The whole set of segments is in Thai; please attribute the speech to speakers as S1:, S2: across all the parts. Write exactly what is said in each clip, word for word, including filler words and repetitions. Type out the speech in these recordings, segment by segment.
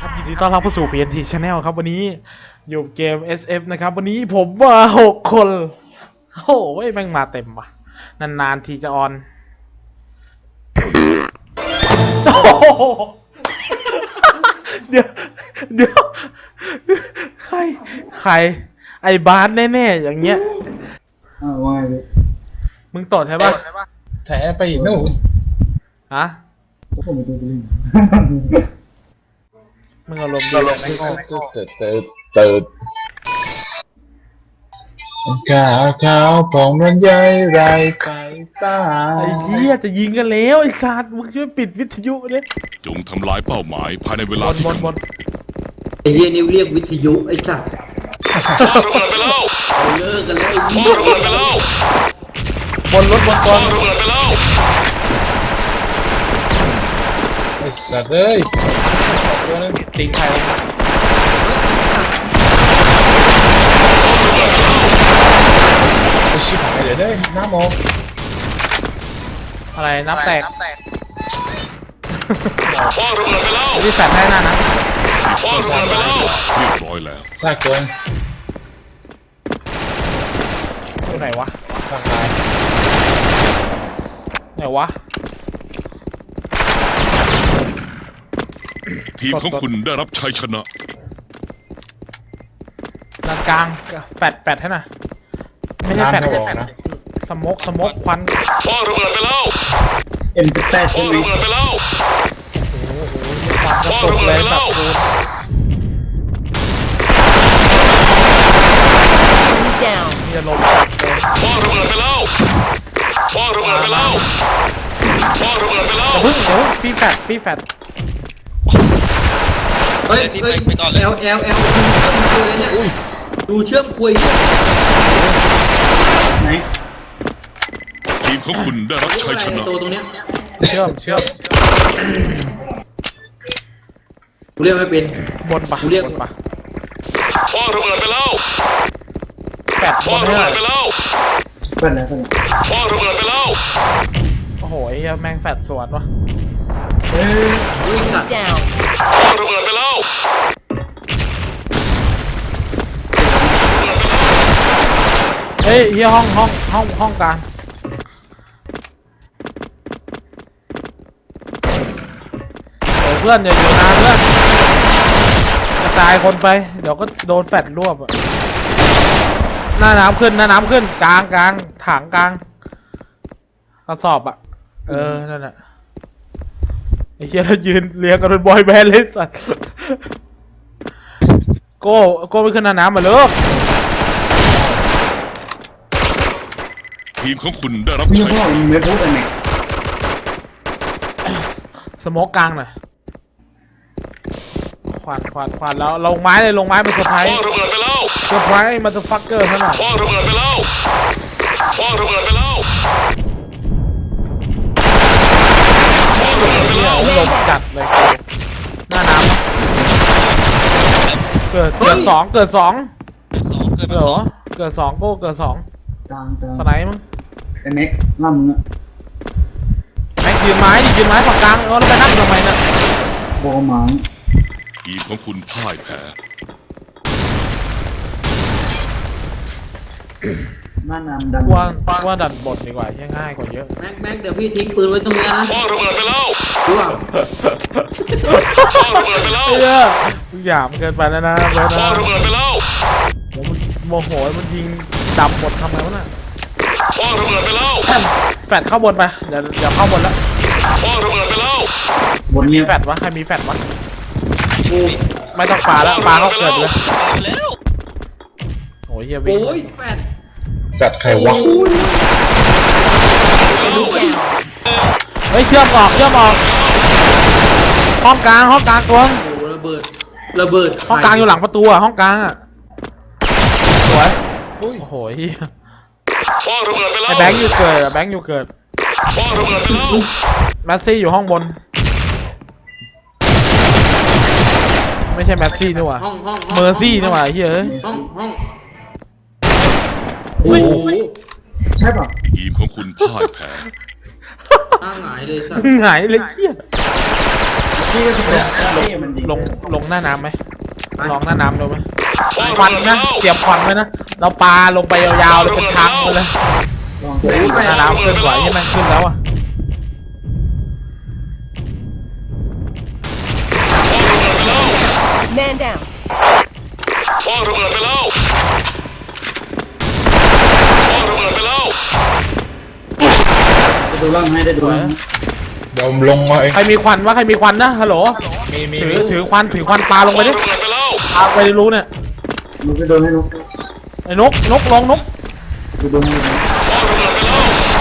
S1: ครับยินดีต้อนรับเข้าสู่ พี เอ็น ที Channel ครับวันนี้อยู่เกม เอส เอฟ นะครับวันนี้ผมมาหกคนโอ้โหแม่งมาเต็มว่ะนานๆทีจะออนเดี๋ยวเดี๋ยวใครใครไอ้บาสแน่ๆอย่างเงี้ย
S2: อ้าวว่าไง
S1: มึงตดใช่ปะ
S3: แถไปอีกนู่น
S1: ฮะ
S2: ผมไปดูไปเล่น
S1: มึงอารมณ์ดีเลยไม่งง
S3: เติร์ดเติร์ดเติร์ดข้าวข้าวของมันใหญ่ไรไปตา
S1: ไอ้เหี้ยจะยิงกันแล้วไอ้สัตว์มึงช่วยปิดวิทยุดิ
S4: จงทำลายเป้าหมายภายในเวลาที่
S1: บนบน
S5: ไอ้เรียนิวเรียกวิทยุไอ้สัตว์
S4: ระเบิดไปแล้ว
S5: เลิกกันแล้วไอ้
S4: เหี้ยระเบิดไปแล้ว
S1: บนรถบนกอง
S4: ระเบิดไปแล้ว
S3: ไอ้สัตว์เอ้ย
S1: ตัวนึงติงใคร
S3: ไอ้ชิบหายเดี๋ยวได้น้ำมอง
S1: อะไรน้ำแตก
S4: พ่อระเบิดไปแล้ว
S1: ที่แฟนให้นั่นนะ
S4: พ่อระเบิดไปแล้วเรียบร้อยแล้ว
S3: ซากตัว
S1: ตัวไหนวะ
S3: ซากตาย
S1: ไหนวะ
S4: ทีมของคุณได้รับชัยชนะ
S1: กลางกลางแฟดแฟดให้น่ะไม่ใช่แฟดนะสโมกสโมกควัน
S4: พ่อระเบิดไปแล้ว
S2: เอ็มสิบแปด
S4: พ่อระเบิดไปแล้ว
S1: พ่อระเบิดไปแล้วนี่จะลง
S4: พ่อระเบิดไปแล้วพ่อระเบิดไปแล้วพ่อระเบิดไปแล้ว
S1: เดี๋ยวเดี๋ยวพี่แฟดพี่แฟด
S5: เฮ้ยเฮ้ยเอลเอลเอลดูเชื่อมคุย
S2: ไหน
S4: ทีมของคุณได้รับชัยชนะ
S5: ตัวตรงเนี้ย
S1: เชื่อมเชื่อม
S5: กูเรียกไม่เป็น
S1: บนปะ
S5: กูเรียก
S1: ปะ
S4: พ่อระเบิดไปแล้ว
S1: แฟด
S4: พ่อระเบิดไปแล้ว
S2: เปิดแล้วเปิด
S4: พ่อระเบิดไปแล้ว
S1: โอ้โหไอ้แม่งแฟดสวนวะ
S2: เฮ้ย
S5: วิ่งสัตว์
S4: พ่อระเบิดไปแล้ว
S1: เฮ้ยเฮียห้องห้องห้องห้องกลางเดี๋ยวเพื่อนอย่าอยู่นานเพื่อนกระจายคนไปเดี๋ยวก็โดนแฟดรวบอะหน้าน้ำขึ้นหน้าน้ำขึ้นกลางกลางถังกลางกระสอบอะเออนั่นแหละไอ้เหี้ยยืนเรียงกันเป็นบอยแบนด์เลยสัสโก้โก้ไปขึ้นหน้าน้ำมาเลย
S4: ทีมของคุณได้รับ
S2: ชัยชนะไม่พูดอะไร
S1: สโมกกลางหน่อยควันควันควันแล้วลงไม้เลยลงไม้เป็นเซอร์ไพรส์
S4: พ่อระเบิดไปแล้ว
S1: เซอร์ไพรส์มาจะฟักเกอร์ซะหน่อย
S4: พ่อระเบิดไปแล้วพ่อระเบิดไปแล้วพ่อระเบิดไปแล้ว
S1: ลมจัดเลยหน้าน้ำเกิดเกิดสองเกิดสองเหรอเกิดสองโก้เกิดสอง
S2: กลางกลาง
S1: สไนป์มั้ง
S2: ไอ้เน็กล่ำมึงอะ
S1: แม็กยืนไม้ยืนไม้ฝั่งกลางเออแล้วไปนั่งทำไมเนี่ย
S2: โบหมัง
S4: ทีมของคุณพ่ายแพ้
S2: หน้าน้ำดัน
S1: ว่าว่าดันบทดีกว่าง่ายกว่าเยอะ
S5: แม็กแม็กเดี๋ยวพี่ทิ้งปืนไว้ตรงนี้นะ
S4: พ่อระเบิดไปแล้ว
S5: ดูอ่ะ
S4: พ่อระเบิดไปแล้ว
S1: เยอะทุกอย่างมันเกินไปแล้วนะเบิร์ดนะ
S4: พ่อระเบิดไปแล้ว
S1: เดี๋ยวมันโมโหมันยิงดับหมดทำไงวะน่ะ
S4: พ่อระเบิดไปแล้ว
S1: แฟดเข้าบนไปเดี๋ยวเดี๋ยวเข้าบนแล้ว
S4: พ่อระเบิดไปแล้ว
S1: บนมีแฟดวะใครมีแฟดวะไม่ต้องปาแล้วปาเขาเกิดเลยโอ้ยเฮียวิ่ง
S5: โอ้ยแฟด
S3: แฟดใครวะ
S1: เฮ้ยเชื่อมออกเชื่อมออกห้องกลางห้องกลางตัว
S5: โอ้ระเบิดระเบิด
S1: ห้องกลางอยู่หลังประตูอะห้องกลางอะสวยโอ้โหเฮีย
S4: พ่อระเบิดไปแล้ว
S1: ไอ้แบงค์อยู่เกิดแบงค์อยู่เกิด
S4: พ่อระเบิดไปแล้ว
S1: แมสซี่อยู่ห้องบนไม่ใช่แมสซี่นี่หว่าเมอร์ซี่นี่หว่าเฮ้ย
S5: ห้องห้อง
S2: โอ้ใช่ป่ะ
S4: ทีมของคุณพ่ายแพ้
S5: หงายเลยสัส
S1: หงายเลยเฮีย
S2: พี่ก็จะเป็นพี่มันยิง
S1: ลงลงหน้าน้ำไหมลองหน้าน้ำดูไหม
S4: คว้าง
S1: ควั
S4: ระ
S1: น
S4: เบิดไป
S1: นะ
S4: แล้ว
S1: เตรียมควันไว้นะเราปาลงไปยาวๆเลยเป็นทางไปเลย
S2: ลองเซ็น
S1: หน้าน้ำขึ้นไหวที่มันขึ้นแล้วอ่ะ
S4: คว้างระเบิดไปแล้ว
S6: Man down.
S4: คว้างระเบิดไปแล้วคว้างระเบิดไปแล้ว
S2: ได้ดูร่างให้ได้ดูร่าง
S3: เดี๋ยวลงมาเอง
S1: ใครมีควันวะใครมีควันนะฮัลโหล
S3: มีมี
S1: ถือ
S3: มี
S1: ถือควันถือควันปาลง
S4: ค
S1: ไป
S4: ว้าง
S1: ดิ
S4: ระเบิดไปแล้ว
S1: ปาไปรู้เนี่ย
S2: ลูกไปโดนให้ลูก
S1: ไอ้นกนกลงนก
S2: ไปโดนให้ลูก
S4: คว้างระเบิดไปแล้ว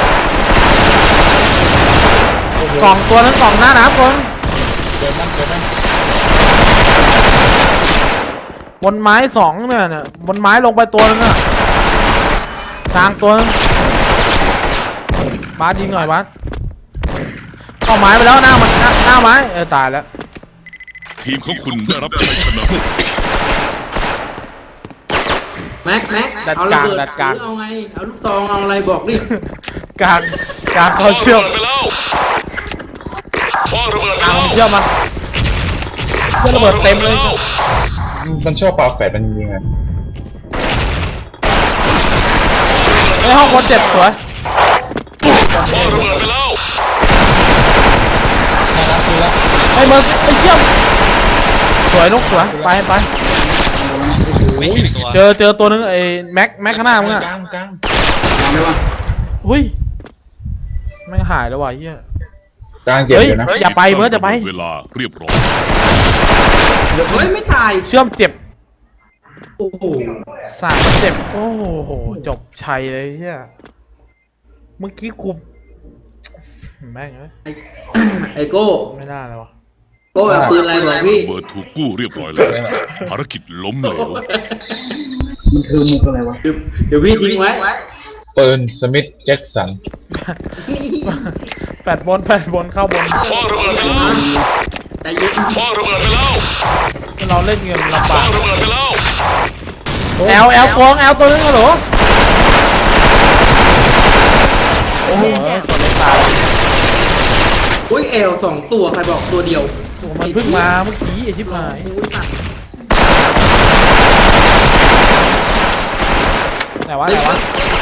S1: สองตัวนั้นสองหน้าน้ำคน
S3: เดี๋ยวนั่นเดี๋ยวนั่น
S1: บนไม้สองเนี่ยเนี่ยบนไม้ลงไปตัวนึงอ่ะกลางตัวนึงบาสยิงหน่อยบาสเข้าไม้ไปแล้วหน้ามันหน้าหน้าไม้เออตายแล้ว
S4: ทีมของคุณได้รับชัยชนะ
S5: แม็กแม็ก
S1: ดัด
S5: เอา
S1: ก
S5: ระ
S1: ลาง
S5: เบิด
S1: ดัดกลาง
S5: หรือเอาไงเอาลูกซองเอาอะไรบอกดิ
S1: กลางกลางเขาเชื่อม
S4: คว้างระเบิดไปแล้วคว้างระเบิดไป
S1: กลาง
S4: แล้ว
S1: เชื่อมมาเชื่อมระเบิดเต็มเลย
S3: มันชอบปลาแฝดมันยิงไง
S1: ไอ้ห้องคนเจ็บสวย
S4: คว้างระเบิดไปแล้ว
S3: น่ารักคือละ
S1: ไอ้เบิร์ไอ้เชื่อมสวยนกสวยไปไปเจอเจอตัวนึงไอ้แม็กแม็กข้างหน้ามึงอ่ะ
S3: กลางกลาง
S2: ทำได้ปะ
S1: อุ้ยไม่งหายแล้วว่ะเฮีย
S3: กลางเจ็บ
S1: เฮ้ย
S3: อยู่นะ
S1: อย่าไปเบิร์ดอย่าไป
S4: เวลาเรียบร้อย
S5: เฮ้ยไม่ตาย
S1: เชื่อมเจ็บ
S5: โอ้โห
S1: สามเจ็บโอ้โหจบชัยเลยเฮียเมื่อกี้คุมแม่งเอ้ย
S5: ไอ้ ไอโก้
S1: ไม่น่าเลยวะ
S5: โก้เอาปืนอะไรบอกพี่
S4: เบิร์ดถูกกู้เรียบร้อยแล้วภารกิจล้มเหลว
S2: มันคือมุกอะไรวะ
S5: เดี๋ยวเดี๋ยวพี่ทิ้งไว้
S3: ปืนสมิธแจ็คสัน
S1: แปดบนแปดบนเข้าบน
S4: คว้างระเบิดไปแล้ว
S5: ใจเย็น
S4: คว้างระเบิดไปแล้ว
S1: เราเล่นเงินลำ
S4: ค
S1: บา
S4: ว้าก งระเบิดไปแล้ว
S1: แอลแอลฟองแอลตัวนึงเหรอโอ้โหคนเล่นตาย
S5: อุ้ยเอลสองตัวใครบอกตัวเดียว
S1: โอ้มันเพิ่งมาเมื่อกี้ไอชิบหาย
S5: โอ้ยตัด
S1: ไหนวะไหนวะ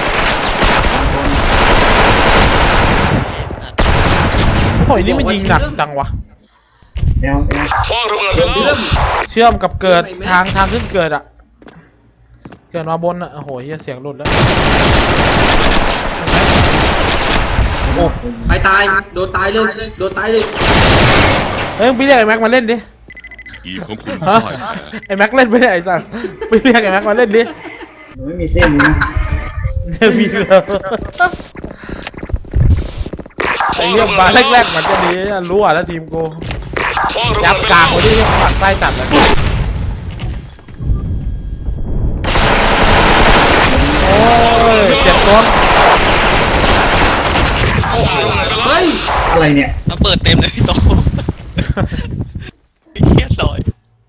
S1: โอ้ยนี่มันยิงหนักจังวะ
S2: แอลแอล
S4: คว้างระเบิดไปแล้ว
S5: เริ่ม
S1: เชื่อมกับเกิดทางทางขึ้นเกิดอะเกิดมาบนอะโอ้โหเหี้ยเสียงหลุดแล้วโอ้
S5: ไปตายโดนตายเลยโดนตายเลย
S1: เฮ้ยมึงไปเรียกไอ้แม็กมาเล่นดิ
S4: ทีมของคุณ
S1: ฮะ
S4: พ่ายแพ้
S1: ไอ้แม็กเล่นไม่ได้ไอ้สัสไปเรียกไอ้แม็กมาเล่นดิ
S2: หนูไม่มีเส้นนี้นะ
S1: เนี่ยมีเลยไอ้เรื่องมาแรกๆมันจะดีรู้อ่ะแล้วทีมกู
S4: คว้างระ
S1: ยั
S4: เบิ
S1: บ
S4: ดไป
S1: กลา
S4: แล้
S1: ง
S4: ว
S1: ไว้ที่ฝักไส้จัดเลยโอ้ยเจ็บตัว
S4: คว้างระเบิดไปแล้ว
S5: เฮ้ย
S2: อะไรเนี่ย
S7: ระเบิดเต็มเลยพี่โตไอ้เหี้ยลอย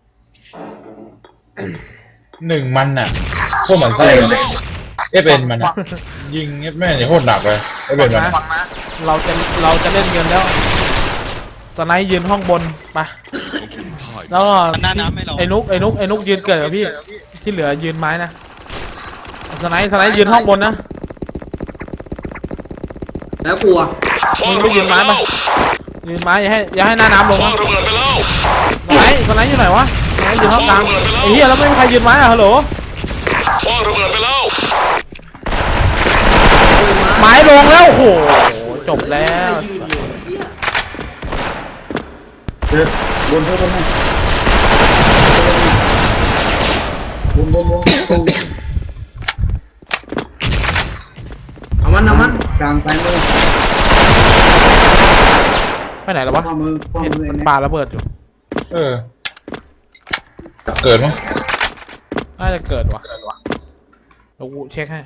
S3: หนึ่งมันน่ะโคตรหมันไส้เลยเอ๊ะเป็นมันอะยิงเอ๊ะแม่เนี่ยโคตรหนักเลยเอ๊ะเป็นมันอะ
S1: เราจะเราจะเล่นเงินแล้วสไนด์ยืนห้องบนไป
S4: ของคุณพ่าย
S1: แล้วก็
S7: มันหน้าน้ำไม่รอ
S1: ไอ้นุกไอ้นุกไอ้นุกยืนเกิดกับพี่ที่เหลือยืนไม้นะสไนด์สไนด์ยืนห้องบนนะ
S5: แล้วกลัว
S4: คว้าง
S1: มึง
S4: ระ
S1: ไม่
S4: เบิ
S1: ยื
S4: ด
S1: น
S4: ไป
S1: ไม้
S4: แล้
S1: มาว ยืนไม้อย่าให้อย่าให้หน้าน้ำลง
S4: คว้าง
S1: นะ
S4: ระเบิดไปแล้ว
S1: สไนด์สไนด์อยู่ไหนวะสไนด์อยู่ห้องกลางไอ้เหี้ยแล้วไม่มีใครยืนไม้อะฮัลโหล
S4: คว้างระเบิดไปแล้ว
S1: ไม้ลงแล้วโอ้โหจบแล้ว
S5: ยืนอยู่เหี้ย
S2: เจอบนเท่าบนให้บนบนบนตรง
S5: เอามันเอามัน
S2: กลางซ้ายมือ
S1: ไปไหนแล้ววะ
S2: ข้อมือข้อ
S1: เห็น
S2: มือ
S1: มัน
S2: เนี่ย
S1: ปาระเบิดอยู่
S3: เออ เกิดมั้ง
S1: น่าจะเกิดวะเดี๋ยวกูเช็คให้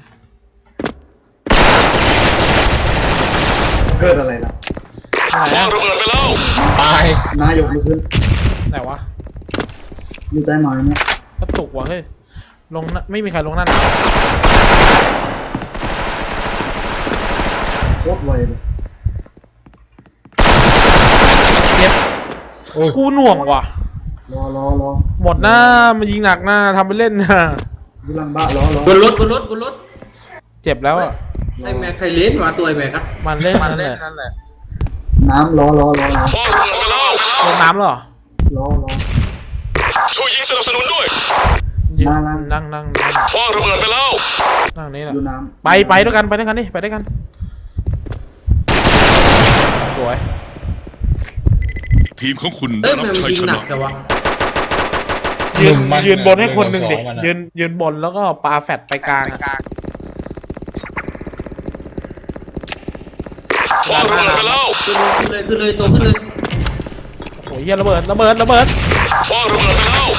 S2: เกิดอะไรล่ะ
S1: ไหน
S4: คว้าง
S1: อะ
S4: ระเบิดไปแล้ว
S3: ตาย
S2: นายกมือขึ้น
S1: ไหนวะ
S2: อยู่ใต้ไม้เนี่ย
S1: กระตุกวะเฮ้ยลงหน้าไม่มีใครลงหน้าหนาว
S2: โคตรไวเลย
S1: เจ็บ
S3: โอ้ย
S1: กูหน่วงว่ะ
S2: รอรอรอ
S1: หมดหน้ามายิงหนักหน้าทำไปเล่นนะ
S2: อยู่หลังบ้านรอรอบ
S5: นรถบนรถบนรถ
S1: เจ็บแล้วอ่ะ
S5: ไอ้แม็กใครเล่นวะตัวไอ้แม็กอะ
S1: มันเล่นนั่นแหละ
S2: น้ำรอรอรอรอ
S4: คว้างระเบิดไปแล้ว
S1: ลงน้ำแล้วเหรอ
S2: รอรอ
S4: ช่วยยิงสนับสนุนด้วย
S1: ยืน
S2: มาแล้ว
S1: นั่งนั่งนั่ง
S4: คว้างระเบิดไปแล้ว
S1: นั่งนี่แหละ
S2: อยู่น้
S1: ไปไปด้วยกันไปด้วยกันดิไปด้วยกันสวย
S4: ทีมของคุณ
S5: เอ้
S4: ได้
S5: ย
S4: รับ
S5: มัน
S4: ชัย
S5: ยิง
S4: ช
S5: หนั
S4: นะ
S5: กแต่วะ
S1: ยืน
S3: หงมั
S1: ยืนบนให้คนหนึ่งดิ
S3: สอมัอะ
S1: ยืนยืนบนแล้วก็ปาแฟดไปกลางอะ
S4: คว้างระเบิดไปแล้ว
S5: ขึ้นเลยขึ้นเลยขึ้นเลยตัวขึ้นเลย
S1: โอ้ยเฮียระเบิดระเบิดระเบิด
S4: คว้างระเบิดไปแล้ว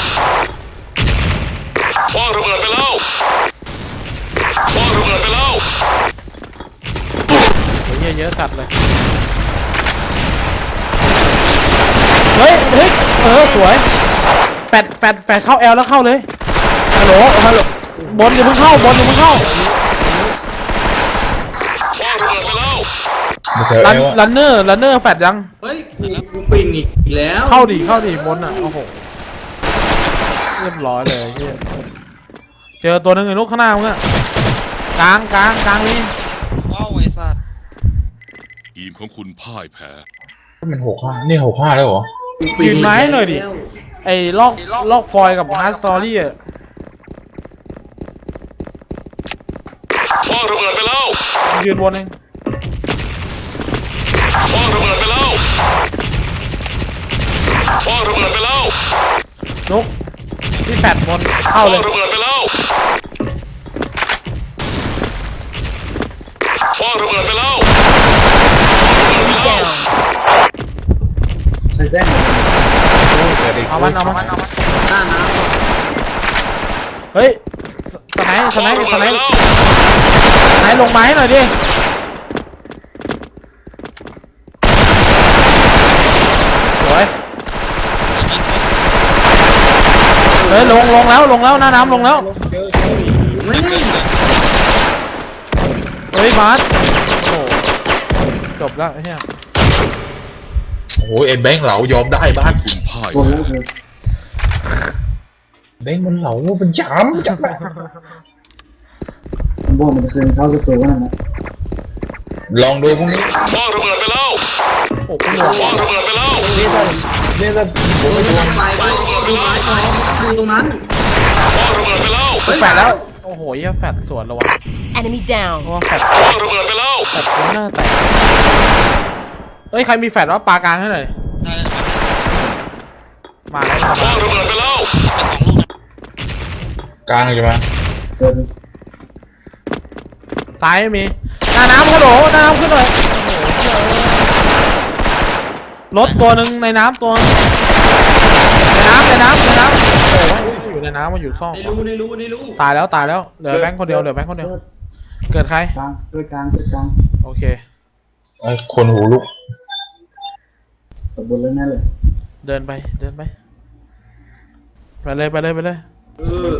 S4: คว้างระเบิดไปแล้วคว้างระเบิดไปแล้ว
S1: โอ้ยเฮียเยอะจัดเลยเฮ้ยเฮ้ยเออสวยแฟดแฟดแฟดเข้าแอลแล้วเข้าเลยฮัลโหลฮัลโหลบนอย่าเพิ่งเข้าบนอย่าเพิ่งเข้า
S4: คว้างระเบิดไปแล้ว
S3: ไม่เจอ
S1: รั
S3: เอน วอะ
S1: รันเนอร์รันเนอร์แฟดยัง
S5: เฮ้ยกูกูปิงอีกแล้ว
S1: เข้าดิเข้าดิบนอ่ะโอ้โหเรียบร้อยเลยเฮียเจอตัวหนึงไอ้ลูกข้างหน้ามึงอะกลางกลางกลางนี่
S7: ว้าวไอ้สัตว์
S4: ทีมของคุณพ่ายแพ้
S3: มันหกห้านี่หกห้าแล้วเหรอ
S5: กูปิง
S1: ยืนไม้หน่อยดิไอ้ลอกลอกฟอยล์กับฮาร์ดสตอรี่อะ
S4: คว้างระเบิดไปแล้ว
S1: ยืนบนเอง
S4: คว้างระเบิดไปแล้วคว้างระเบิดไปแล้ว
S1: นุกที่แฟดบน
S4: ค
S1: เข้าเล
S4: ว้าย งระเบิดไปแล้วคว้างระเบิดไปแล้วคว้างระเบิดไปแล้ว
S2: ำใส่แส้ง
S3: เจอดิ
S1: เอามันเอามัน
S5: หน้าน้
S1: เฮ้ยสไนส์ส
S4: ค
S1: ไน
S4: ว้าง
S1: ส์
S4: ระ
S1: ส
S4: เบิด
S1: ไน
S4: ไป
S1: ส์
S4: แล้ว
S1: สไนส์ลงไม้หน่อยดิสวยเฮ้ยลงลงแล้วลงแล้วหน้าน้ำลงแล้ว
S3: เจอเจอ
S5: ำไม่
S7: เกินเลย
S1: เฮ้ยมาร์ทโอ้โหจบแล้วไอ้เหี้ย
S3: โอ้ยไอ้แบงค์เหลายอมได้บ้าน
S4: คุณพ่าย
S2: โดนแล้วเลย
S3: แบงค์มันเหลาเป็นจามจับแม่
S2: ผมบอกมันเคยเข้าสตูนั่นนะ
S3: ลองดูพรุ่งนี้
S4: คว้างระเบิดไปแล้ว
S1: โอ้โหหน่วง
S4: คว้างระเบิดไปแล้ว
S3: นี่ถ้านี่ถ้าผมไม่ดวง
S5: ไปไปดูไม้หน่อยดูตรงนั้น
S4: คว้างระเบิดไปแล้ว
S1: กูแฟดแล้วโอ้โหเหี้ยแฟดสวนแล้ววะ
S6: Enemy
S1: เพ
S6: down.
S1: ราะว่าแฟด
S4: คว้างระเบิดไปแล้ว
S1: แฟดคุ้นหน้าแตกเฮ้ยใครมีแฟดวะปลากลางให้หน่อย
S7: ได้แล้ว
S1: มาแล้ว
S4: คว้างระเบิดไปแล้ว
S7: ไปสองลูกนะ
S3: กลางใช่ไหม
S2: เกิน
S1: ซ้ายไม่มีหน้าน้ำฮัลโหลหน้าน้ำขึ้นหน่อยโอ้โหเหี้ยรถตัวหนึ่งในน้ำตัวนึงในน้ำในน้ำในน้ำโอ้ยอยู่ในน้ำมาอยู่ซ่อง
S5: ในรูในรูในรู
S1: ตายแล้วตายแล้วเหลือแบงค์คนเดียวเหลือแบงค์คนเดียวเกิดใคร
S2: กลางเกิดกลางเกิดกลาง
S1: โอเค
S3: ไอ้คนหูลุก
S2: ตบบนเลยแน่เลย
S1: เดินไปเดินไปไปเลยไปเลยไปเลย
S5: เออ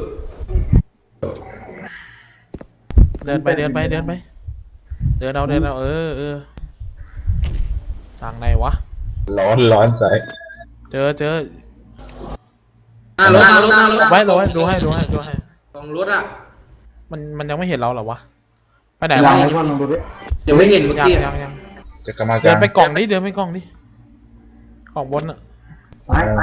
S1: เดินไปเดินไปเดินไปเดินเอาเดินเอาเออเออสั่งไหนวะ
S3: ร้อนร้อนใส่
S1: เจอเจอ
S5: หน้ารถหน้ารถหน้ารถ
S1: ไว้ดูให้ดูให้ดูให้ดูให้
S5: สองรถอ่ะ
S1: มันมันยังไม่เห็นเราเหรอวะไปไหน
S2: ลอ
S1: วะ
S2: งให้พ่อลองดูดิ
S5: เดี๋ยวไม่เห็นเมื่อ
S1: ยัง
S5: กี้
S1: ยังยัง
S3: จะกลับมา
S1: เดินไปกล่องดิเดินไปกล่องดิกล่องบนอะ
S2: ซ้าย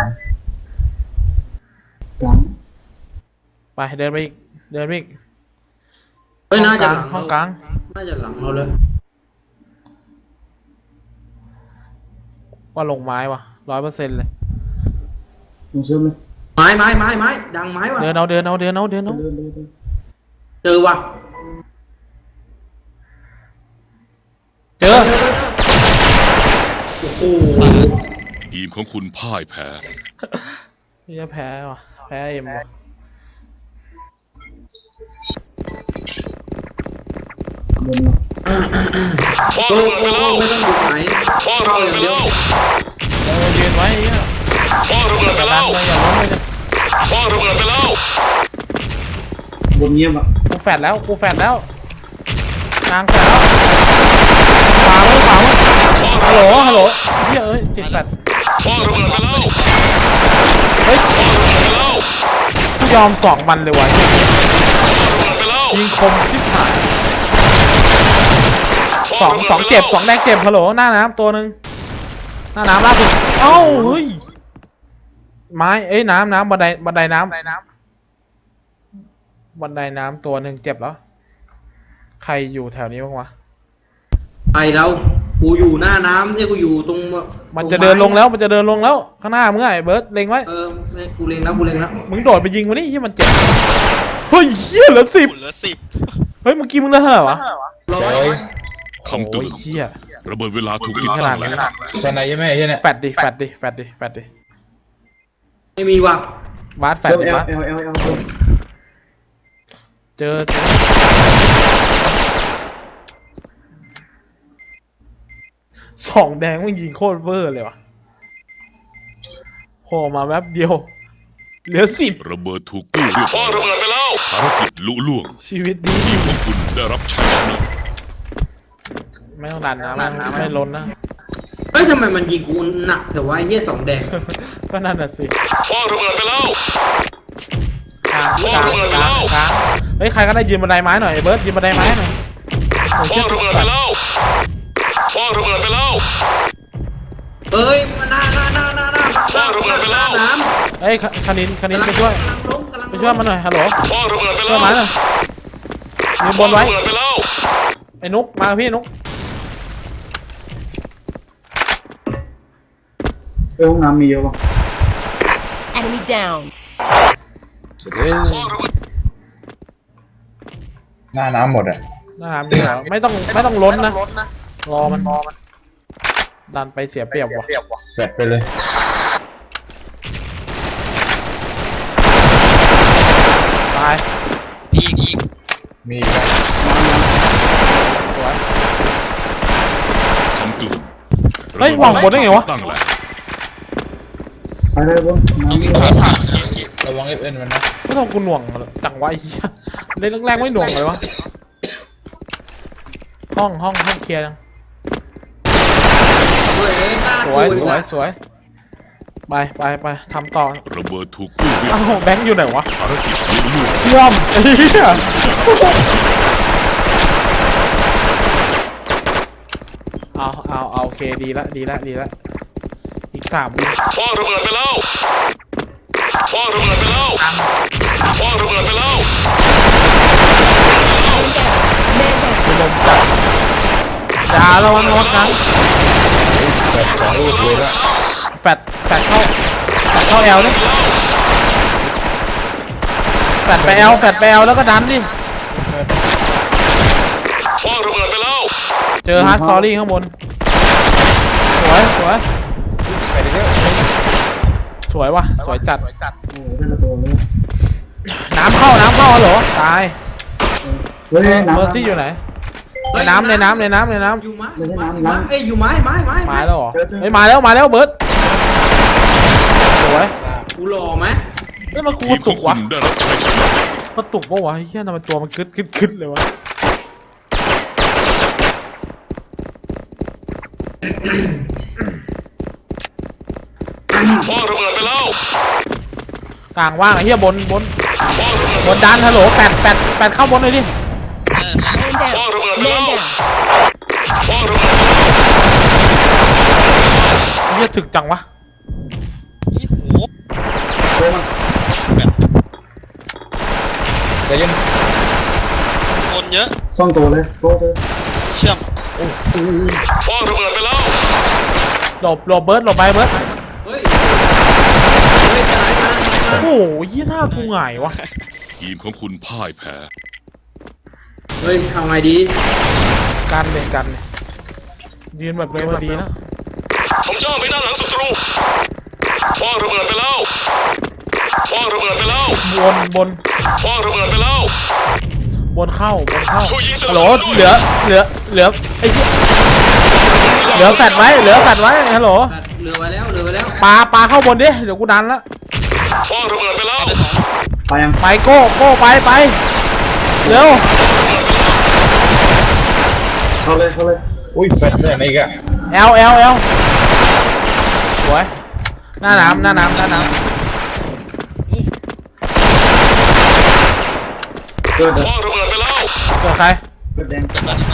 S2: กลาง
S1: ไปเดินไปอีกเดินไปอีก
S5: เฮ้ยน่าจะ
S1: ห้อง
S5: หลัง
S1: ห้องกลาง
S5: น่าจะหลังเราเลย
S1: ว่าลงไม้วะร้อยเปอร์เซ็นต์เลย
S2: ลงเชื่อมเลย
S5: ไม้ไม้ไม้ไม้ดังไม้ว่ะ
S1: เดินเอาเดินเอาเดินเอาเดินเอา
S2: เดินเดินเดิน
S5: เจอว่ะ
S1: เจอ
S5: โอ้โห
S4: ทีมของคุณพ่ายแพ้
S1: นี่จะแพ้วะแพ้เอ็มวะ
S2: เดินมา
S4: คว้าง
S5: โอ้
S4: ระเบิด
S5: โห
S4: ไปแล้ว
S5: ไม่ต้องดูไหน
S4: คว้างระเบิดไปแล้ว
S1: เออยืนไว้ไอ้เหี้ย
S4: คว้างระเบิดไป
S1: อย่า
S4: แล้
S1: ดัน
S4: ว
S1: เลยอย่าล้มเลยนะ
S4: คว้างระเบิดไปแล้ว
S2: บนเงียบอ่ะ
S1: กูแฟดแล้วกูแฟดแล้วนางแฟดแล้วขวาไว้ขวาไว้ฮัลโหลฮัลโหลเฮ้ยเอ้ยจิตแฟด
S4: คว้างระเบิดไปแล้ว
S1: เฮ้ย
S4: คว้างระเบิดไปแล้ว
S1: กูยอมสองมันเลยวะ
S4: คว้างระเบิดไปแล้ว
S1: ยิงคมชิบหาย
S4: ค
S1: ส
S4: ว้า
S1: อง
S4: ระบิด
S1: สอง
S4: ไปแล้ว
S1: เจ็บสองแดงเจ็บฮัลโหลหน้าน้ำตัวหนึ่งหน้าน้ำล่าสุดเอ้าเฮ้ยไม้เอ้ยน้ำน้ำบันไดบันไดน้ำบันไดน้ำบันไดน้ำตัวหนึ่งเจ็บแล้วใครอยู่แถวนี้บ้างวะ
S5: ไปแล้วกูอยู่หน้าน้ำเนี่ยกูอยู่ตรง
S1: มันจะเดินลงแล้วมันจะเดินลงแล้วข้างหน้ามึงไงเบิร์ดเล็งไว้
S5: เออกูเล็งแล้วกูเล็งแล้ว
S1: มึงโดดไปยิงมันนี่ยี่มันเจ็บเฮ้ยเฮียเหลือสิบ
S7: หุ่นเหลือสิบ
S1: เฮ้ยเมื่อกี้มึงเหลือเท่าไหร่วะ
S5: ร้อ
S3: โอ้
S5: ย
S3: ย
S4: คำเตื
S1: โอ้
S4: อย น
S1: เฮีย
S4: ระเบิดเวลาถูกติด
S1: ข
S4: ตั้
S1: นาด
S4: ง
S1: นี้
S4: แล้ว
S3: สไนใช่ไหมไอ้เนี่ย
S1: แฟดดิแฟดดิแฟดดิแฟดดิแฟดดิ
S5: ไม่มีว่ะ
S1: วาดแฟด
S2: เซิร์ฟ
S1: ดิ
S2: เอล
S1: วาด
S2: เอลเอลเอลเอล
S1: เจอเจอสองแดงมันยิงโคตรเวอร์เลยวะโผล่มาแป๊บเดียวเหลือสิบ
S4: ระเบิดถูกกู้เรียบร้อยระเบิดไปแล้วภารกิจลุล่วง
S1: ชีวิตดี
S4: ทีมของคุณได้รับชัยชนะ
S1: ไม่ต้องดันนะไม่ไม่ล้นนะ
S5: เฮ้ยทำไมมันยิงกูหนักแต่ว่าไอ้เหี้ยสองแดง
S1: ก็นั่นน่ะสิ
S4: คว้างระเบิดไปแล้ว
S1: กลางก
S4: วา
S1: ลาง ง
S4: ระเบิด
S1: ก
S4: ไป
S1: ลาง
S4: แล้ว
S1: กลางเฮ้ยใครก็ได้ยืนบันไดไม้หน่อยเบิร์ดยืนบันไดไม้หน่อยโอ้ย
S4: คว้างระเบิดไปแล้วคว้างระเบิดไปแล้ว
S5: เอ้ยมาหน้าหน้าหน้าหน้าหน้า
S4: คว้างระเบิดไปแล้ว
S5: น้
S1: เฮ้ยคคณินค
S5: ำ
S1: ณินไปช่วย
S5: กำลังล้มกำลัง
S1: ไปช่วยมันหน่อยฮัลโหล
S4: คว้างระเบิดไป
S1: ช่
S4: แล้ว วย
S1: มันหน่อยยืนบนไว้
S4: คว้างระเบิดไปแล้ว
S1: ไอ้นุกมาพี่นุก
S2: เออห้องน้ำมีเยอะป่ะ
S6: Enemy down.
S3: เสร็จเลยหน้าน้ำหมดอ่ะ
S1: นะครับนี่เหรอไม่ต้องไม่ต้องล้นนะรอมันดันไปเสียเปรียบว่ะ
S3: แฟดไปเลย
S1: ตาย
S7: อีกอีก
S3: มีอีกแล้ว
S1: สวย
S4: คำเตือน
S1: เฮ้ยวางบนได้ไงวะ
S4: ตั้งแล้ว
S2: ไปเลยบน
S7: ต้อง
S2: น้ำมี
S7: วิ่ง
S2: เย
S7: ผ่า
S2: อะ
S7: นผ่านเก็บเก็บ
S3: ระวังเอฟเอ็นมันนะ
S1: ไม่ต้องกูหน่วงจังวะไอ้เหี้ยเล่นแรกๆไม่หน่วงเลยวะห้องห้องห้องเคลียร์ยัง
S5: เฮ้ยหน้า
S1: สวย
S5: กู
S1: สวย
S5: อีก
S1: สวยไปไปไปทำต่อ
S4: ระเบิดถูกกู้เรียบ
S1: อ้า
S4: ร้อ
S1: วย แบงค์อยู่ไหนวะ
S4: ภารกิจลุล่วง
S1: เชื่อมไอ้เหี้ยเอาเอาเอาโอเคดีละดีละดีละอีกสามวิ
S4: คว้างระเบิดไปแล้วคว้างระเบิดไปแล้วคว้างระเบิดไปแล้ว
S1: กูลมจัดด่าระวังระวังนะ
S3: แฟดสองลูกเลยละ
S1: แฟดแฟดเข้าแฟดเข้าแอลนี่แฟดไปแอลแฟดไปแอลแล้วก็ดันดิ
S4: คว้างระเบิดไปแล้ว
S1: เจอฮาร์ดซอรี่ข้างบนสวยสวย
S3: แฟดอีกแล้ว
S1: สวยว่ะสวยจัด
S2: โอ้โหได้ละตัวเลย
S1: น้ำเข้าน้ำเข้าเหรอตาย
S2: เฮ้ย
S1: เม
S2: น้ำ
S1: อร์ซี่อยู่ไหนในน้ำในน้ำในน้ำในน้
S5: อยู่ไม้อยู่ไม้อยู่ไม้เอ้ยอยู่ไม้ไม้ไม้
S1: ำมาแล้วเหรอเฮ้ยมาแล้วมาแล้วเบิร์ดสวย
S5: กูหล่อไหม
S1: เฮ้ยมันกู
S4: ทีมข
S1: ตุ
S4: อง
S1: ก
S4: คุ
S1: วะ
S4: ณได้รับชัยชนะ
S1: กระตุกปะวะเฮียทำไมตัวมันกึดกึดกึดเลยวะ
S4: คว้างระเบิดไปแล้ว
S1: กลางว่างไอ้เฮียบนบน
S4: คว้างระเบิด
S1: บนดันฮัลโหลแปดแปดแปดเข้าบนเลยดิ
S7: เออ
S6: Man
S4: คว้าง
S6: down.
S4: ระเบิดไป
S6: Man
S4: แล้ว
S6: down.
S4: คว้างระเบิดไปแล้ว
S1: ไอ้เฮียถึกจังวะ
S7: อีโห
S2: โอ้มัน
S7: แบบ
S3: ใจเย็น
S7: คนเยอะ
S2: ซ่องตัวเลยโก้เลย
S7: เชื่อม
S4: คว้างระเบิดไปแล้ว
S1: หลบหลบเบิร์ดหลบไปเบิร์ด
S5: เฮ้ยเฮ้ยตายมา
S1: โอ้โหยี่หน้ากูหงายวะ
S4: ทีมของคุณพ่ายแพ้
S5: เฮ้ยทำไงดี
S1: กันเลยกันเลยยืนแบบเร็วมาดีนะ
S4: ผมจ้องไปด้านหลังศัตรูคว้างระเบิดไปแล้วคว้างระเบิดไปแล้ว
S1: บนบน
S4: คว้างระเบิดไปแล้ว
S1: บนเข้าบนเข้า
S4: ช่วยยิงสนั
S1: ฮั
S4: บ
S1: ลโหล
S4: สนุนด้วย
S1: เหลือเหลือเหลือไอ้เหี้ยเหลือแฟดไว้เหลือแฟดไว้ฮัลโหล
S5: เหลือไว้แล้วเหลือไว้แล้ว
S1: ปลาปลาเข้าบนดิเดี๋ยวกูดันละ
S4: คว้างระเบิดไปแล้ว
S7: ได้สอง
S2: ไปยัง
S1: ไปโก้โก้ไปไปเร็ว
S2: เข้าเลยเข้าเลย
S3: อุ้ยแฟดเนี่ยนี่อีกอ่ะ
S1: แอลแอลแอลสวยหน้าน้ำหน้าน้ำหน้าน้
S2: เกิดเด้อ
S4: คว้างระเบิดไปแล้ว
S1: ำเกิดใคร
S2: เกิดแดง
S7: เกิดมาทั้งนั้น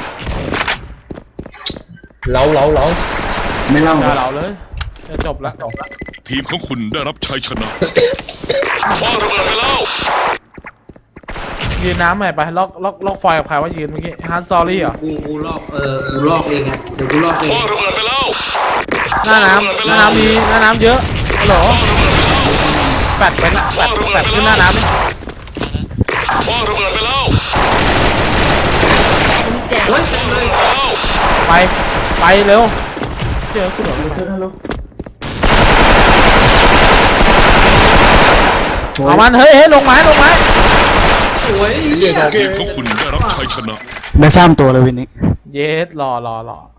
S3: เล้าเล้าเล้า
S2: ไม่เล่า
S1: เจอเราเลยจะจบละจบละ
S4: ทีมของคุณได้รับชัยชนะคว้างระเบิดไปแล้ว
S1: ยืนน้ำใหม่ไปล็อกล็อกล็อกไฟกับใครว่ายืนเมื่อกี้ฮันซอรี่เหรอ
S5: กูกูลอกเออกูลอกเองไงเดี๋ยวกูลอกเอ
S4: ค
S5: ง
S4: ว้างระเบิดไปแล้ว
S1: หน้าน้ำหน้าน้ำมีหน้าน้ำเยอะฮัลโหลแปดเป็นละแปดแปดขึ้นหน้าน้ำนี่
S4: คว้างระเบิดไปแล้ว
S6: Enemy
S5: โอ้ย
S6: down.
S5: เต็มเลย
S4: ไปแล้ว
S1: ไปไปเร็วเจอคุณเหรอ
S2: เกิดนะลูก
S1: เอามันเฮ้ยเฮ้ยลงไม้ลงไม้
S5: สวย
S3: เรียกเขา
S4: ทีมของคุณได้รับชัยชนะ
S8: ได้สามตัวเลยวินนี้
S1: เยสรอรอรอ